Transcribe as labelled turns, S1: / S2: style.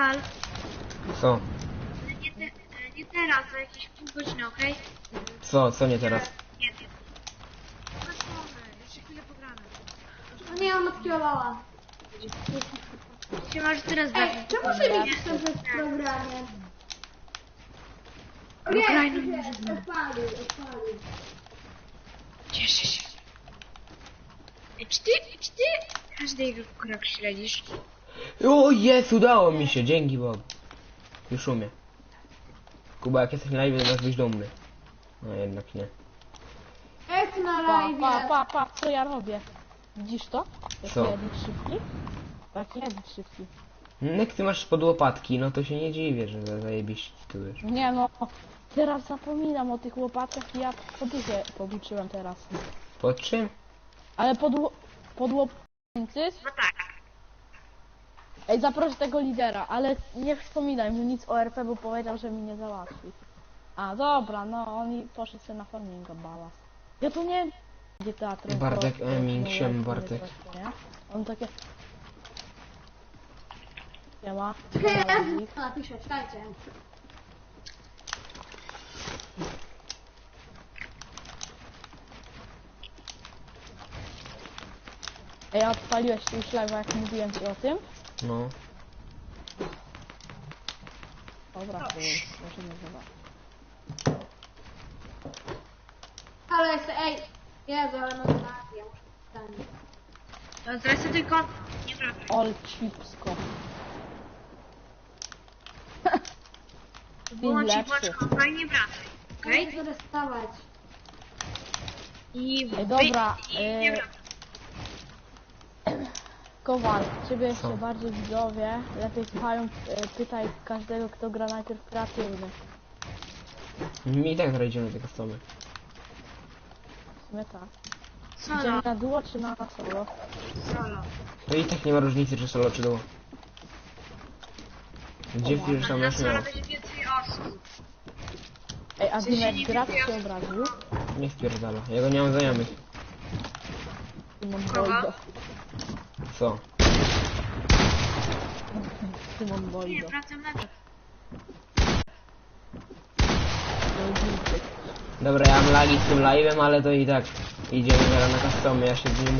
S1: Kowal,
S2: Co?
S1: nie teraz, za jakieś pół godziny, okej?
S2: Co nie teraz?
S1: Nie. Zobaczmy, jeszcze chwilę pogramy.
S3: No nie, on odkierowała.
S1: Się może teraz
S3: Ej,
S1: bawić.
S3: czemu się nie pisze w programie? Nie,
S1: graj, no
S3: nie,
S1: może
S3: odpalił.
S1: Cieszę się. Ej, czy ty każdy jego krok śledzisz?
S2: O jest, udało mi się, dzięki Bogu. Już umiem. Kuba, jak jesteś na live, to masz być dumny. No jednak nie.
S3: Jak na
S4: Pa,
S3: live.
S4: co ja robię? Widzisz to? Jaki
S2: Co?
S4: edit szybki? Taki edit szybki.
S2: Jak ty masz pod łopatki, no to się nie dziwię, że zajebiście tu wiesz.
S4: Nie no, teraz zapominam o tych łopatkach i ja poduchę poduczyłem teraz.
S2: Pod czym?
S4: Ale pod łopatki.
S1: No tak.
S4: Ej, zaproś tego lidera, ale nie wspominaj mu nic o RP, bo powiedział, że mi nie załatwi. A, dobra, no oni poszedł sobie na farminga balast. Ja tu nie... Gdzie teatr?
S2: Bartek, Eming, siem, Bartek.
S4: On takie... Siema.
S3: Ja napiszę, czekajcie.
S4: Ej, a odpaliłeś już live'a, jak mówiłem ci o tym?
S2: No.
S4: Dobra, to już możemy zobaczyć.
S3: Ale jest, ej. Jezu, ale mam rację, ja muszę wstać.
S1: No zresztą tylko nie wracaj.
S4: All chipsko.
S1: Wyłącz i
S4: lepszy.
S1: włącz kompa i nie wracaj. Okej?
S3: Muszę dostawać.
S1: I
S4: Ej, dobra,
S1: i nie wracaj.
S4: Kowal, ciebie jeszcze
S2: Co?
S4: bardziej widzowie lepiej słuchają, pytaj każdego, kto gra najpierw kreatywny.
S2: Mi i tak znajdziemy te customy.
S4: W sumie tak.
S1: Solo,
S4: Idziemy na duo czy na solo?
S1: solo.
S2: To i tak nie ma różnicy, czy solo, czy duo. Gdzie wpiszesz tam
S1: Na
S2: masz miał?
S1: solo będzie więcej osób.
S4: Ej, a
S1: W sensie
S4: Dimek
S1: nie
S4: gra
S1: więcej
S4: się
S1: osób.
S4: obraził?
S2: Nie wpierdala. Ja go nie mam znajomych.
S4: Szymon
S1: Kogo?
S4: Bojdo.
S2: Co?
S4: Szymon
S1: Nie,
S4: Bojdo.
S1: wracam na to.
S2: Dobra, ja mam lagi z tym live'em, ale to i tak idziemy teraz na customy. Ja się nie